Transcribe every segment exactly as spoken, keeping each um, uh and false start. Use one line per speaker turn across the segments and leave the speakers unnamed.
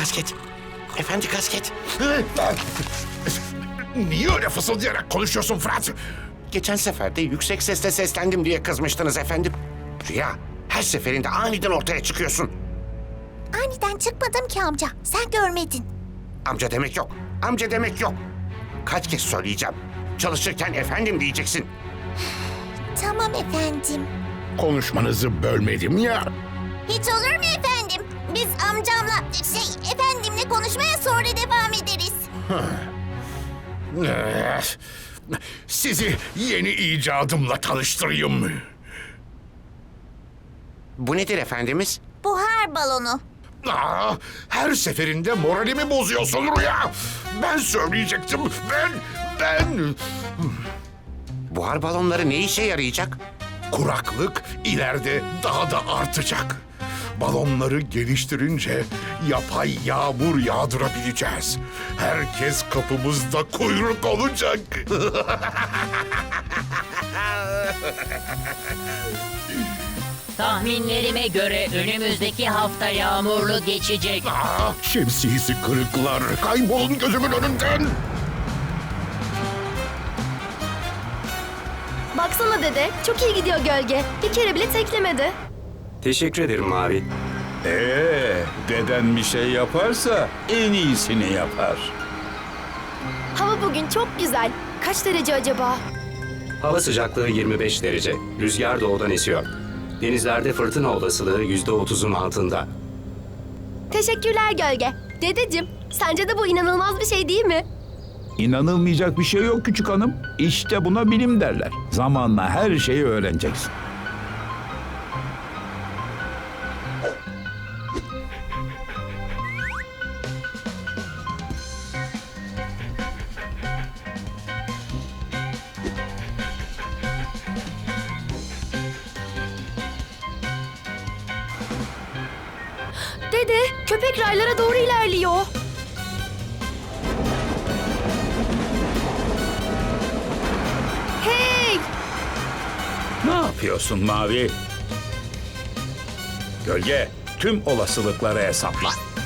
Kasket. Efendi Kasket.
Niye öyle fısıldayarak konuşuyorsun Fırat?
Geçen sefer de yüksek sesle seslendim diye kızmıştınız efendim. Rüya, her seferinde aniden ortaya çıkıyorsun.
Aniden çıkmadım ki amca. Sen görmedin.
Amca demek yok. Amca demek yok. Kaç kez söyleyeceğim. Çalışırken efendim diyeceksin.
Tamam efendim.
Konuşmanızı bölmedim ya.
Hiç olur mu efendim? Biz amcamla, şey efendimle konuşmaya sonra devam ederiz.
Eh, Sizi yeni icadımla tanıştırayım mı?
Bu nedir efendimiz?
Buhar balonu.
Aa, her seferinde moralimi bozuyorsun Rüya. Ben söyleyecektim. Ben, ben...
Buhar balonları ne işe yarayacak?
Kuraklık ileride daha da artacak. Balonları geliştirince yapay yağmur yağdırabileceğiz. Herkes kapımızda kuyruk olacak.
Tahminlerime göre önümüzdeki hafta yağmurlu geçecek.
Aa, şemsiyesi kırıklar. Kaybolun gözümün önünden.
Baksana dede, çok iyi gidiyor gölge. Bir kere bile teklemedi.
Teşekkür ederim Mavi.
Ee, deden bir şey yaparsa en iyisini yapar.
Hava bugün çok güzel. Kaç derece acaba?
Hava sıcaklığı yirmi beş derece. Rüzgar doğudan esiyor. Denizlerde fırtına olasılığı yüzde otuzun altında.
Teşekkürler gölge. Dedeciğim, sence de bu inanılmaz bir şey değil mi?
İnanılmayacak bir şey yok küçük hanım. İşte buna bilim derler. Zamanla her şeyi öğreneceksin.
Dede, köpek raylara doğru ilerliyor. Hey!
Ne yapıyorsun Mavi? Gölge, tüm olasılıkları hesapla.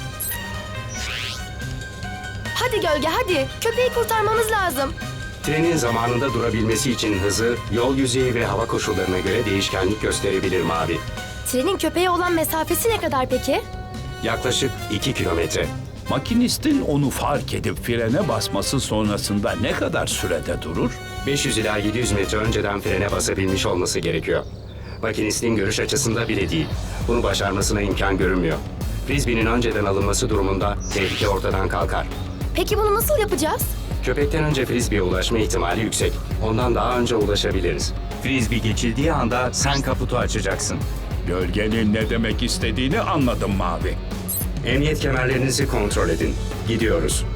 Hadi gölge hadi. Köpeği kurtarmamız lazım.
Trenin zamanında durabilmesi için hızı, yol yüzeyi ve hava koşullarına göre değişkenlik gösterebilir Mavi.
Trenin köpeğe olan mesafesi ne kadar peki?
Yaklaşık iki kilometre.
Makinistin onu fark edip frene basması sonrasında ne kadar sürede durur?
beş yüz ila yedi yüz metre önceden frene basabilmiş olması gerekiyor. Makinistin görüş açısında bile değil. Bunu başarmasına imkan görünmüyor. Frisbee'nin önceden alınması durumunda tehlike ortadan kalkar.
Peki bunu nasıl yapacağız?
Köpekten önce Frisbee'ye ulaşma ihtimali yüksek. Ondan daha önce ulaşabiliriz. Frisbee geçildiği anda sen kaputu açacaksın.
Gölgenin ne demek istediğini anladım Mavi.
Emniyet kemerlerinizi kontrol edin. Gidiyoruz.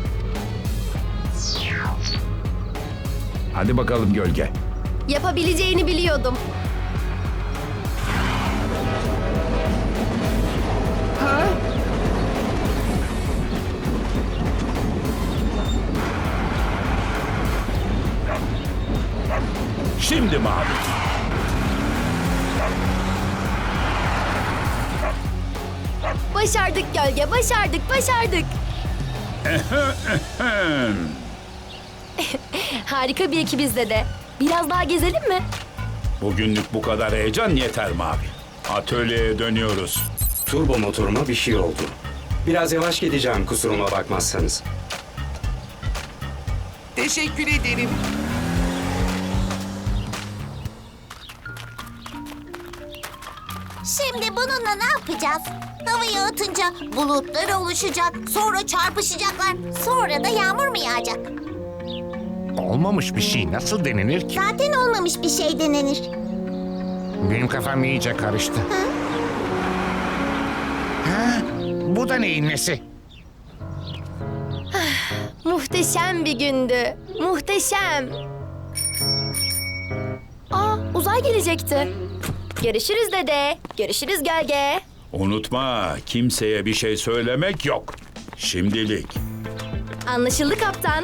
Hadi bakalım gölge.
Yapabileceğini biliyordum.
Şimdi Mavi.
Başardık gölge, başardık, başardık. Harika bir ekibiz dede. Biraz daha gezelim mi?
Bugünlük bu kadar heyecan yeter Mavi. Atölyeye dönüyoruz.
Turbo motoruma bir şey oldu. Biraz yavaş gideceğim kusuruma bakmazsanız.
Teşekkür ederim.
Şimdi bununla ne yapacağız? Havayı atınca bulutlar oluşacak, sonra çarpışacaklar, sonra da yağmur mu yağacak?
Olmamış bir şey nasıl denilir ki?
Zaten olmamış bir şey denenir.
Benim kafam iyice karıştı. Ha? Bu da neyin nesi?
Muhteşem bir gündü. Muhteşem. Aa, uzay gelecekti. Görüşürüz dede. Görüşürüz gölge.
Unutma, kimseye bir şey söylemek yok. Şimdilik.
Anlaşıldı kaptan.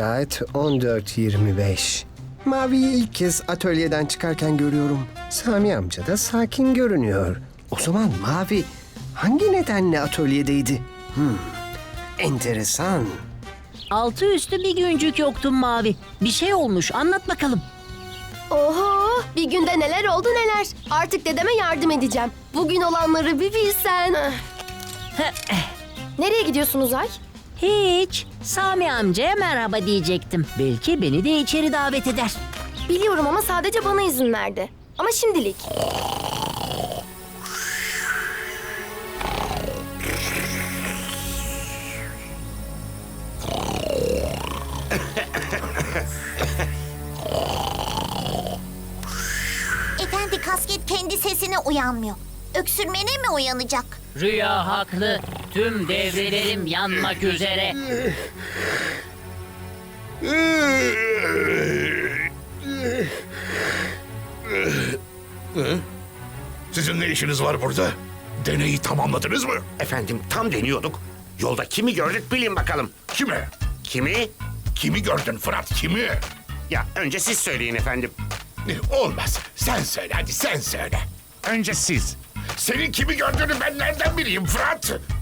Saat on dört yirmi beş. Mavi'yi ilk kez atölyeden çıkarken görüyorum. Sami amca da sakin görünüyor. O zaman Mavi hangi nedenle atölyedeydi? Hmm, enteresan.
Altı üstü bir güncük yoktun Mavi. Bir şey olmuş, anlat bakalım.
Oho, bir günde neler oldu neler. Artık dedeme yardım edeceğim. Bugün olanları bir bilsen. Nereye gidiyorsunuz Ay?
Hiç. Sami amcaya merhaba diyecektim. Belki beni de içeri davet eder.
Biliyorum ama sadece bana izin verdi. Ama şimdilik.
Efendi, kasket kendi sesine uyanmıyor. Öksürmene mi uyanacak?
Rüya haklı. Tüm devrelerim yanmak üzere.
Sizin ne işiniz var burada? Deneyi tamamladınız mı?
Efendim tam deniyorduk. Yolda kimi gördük bilin bakalım.
Kime?
Kimi?
Kimi gördün Fırat, kimi?
Ya önce siz söyleyin efendim.
Olmaz. Sen söyle, hadi sen söyle.
Önce siz.
Senin kimi gördüğünü ben nereden bileyim Fırat?